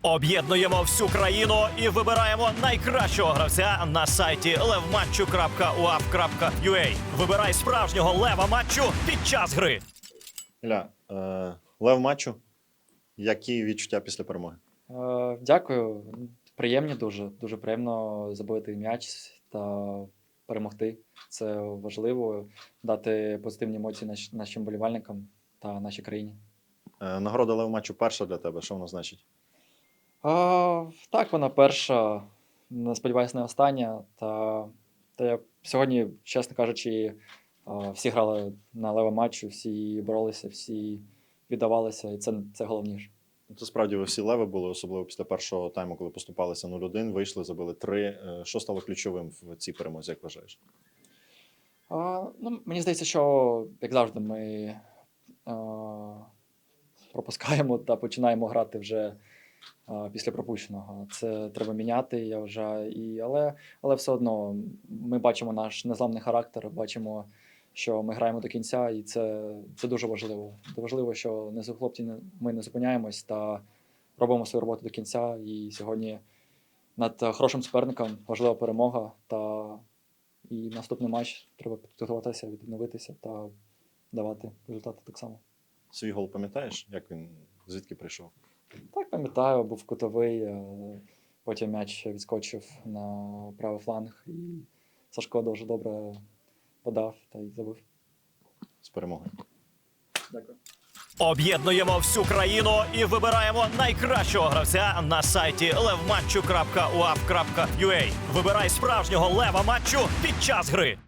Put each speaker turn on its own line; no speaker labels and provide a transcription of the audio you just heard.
Об'єднуємо всю країну і вибираємо найкращого гравця на сайті levmatchu.uaf.ua. Вибирай справжнього лева матчу під час гри.
Ілля, лев матчу. Які відчуття після перемоги?
Дякую. Приємні дуже. Дуже приємно забити м'яч та перемогти. Це важливо, дати позитивні емоції нашим болівальникам та нашій країні.
Нагорода лев матчу перша для тебе. Що вона значить?
Так, вона перша, сподіваюся, не остання. Та я сьогодні, чесно кажучи, всі грали на лева матчу, всі боролися, всі віддавалися, і це головніше.
Це справді ви всі леви були, особливо після першого тайму, коли поступалися 0-1, вийшли, забили 3. Що стало ключовим в цій перемозі, як вважаєш?
Мені здається, що, як завжди, ми пропускаємо та починаємо грати вже після пропущеного. Це треба міняти, я вважаю. Але все одно ми бачимо наш незламний характер, бачимо, що ми граємо до кінця, і це дуже важливо. Це важливо, що хлопці, ми не зупиняємось та робимо свою роботу до кінця. І сьогодні над хорошим суперником важлива перемога. І наступний матч треба підготуватися, відновитися та давати результати так само.
Свій гол пам'ятаєш, як він, звідки прийшов?
Так, пам'ятаю, був кутовий, потім м'яч відскочив на правий фланг, і Сашко дуже добре подав та й забив.
З перемогою.
Дякую.
Об'єднуємо всю країну і вибираємо найкращого гравця на сайті levmatchu.uaf.ua. Вибирай справжнього лева матчу під час гри.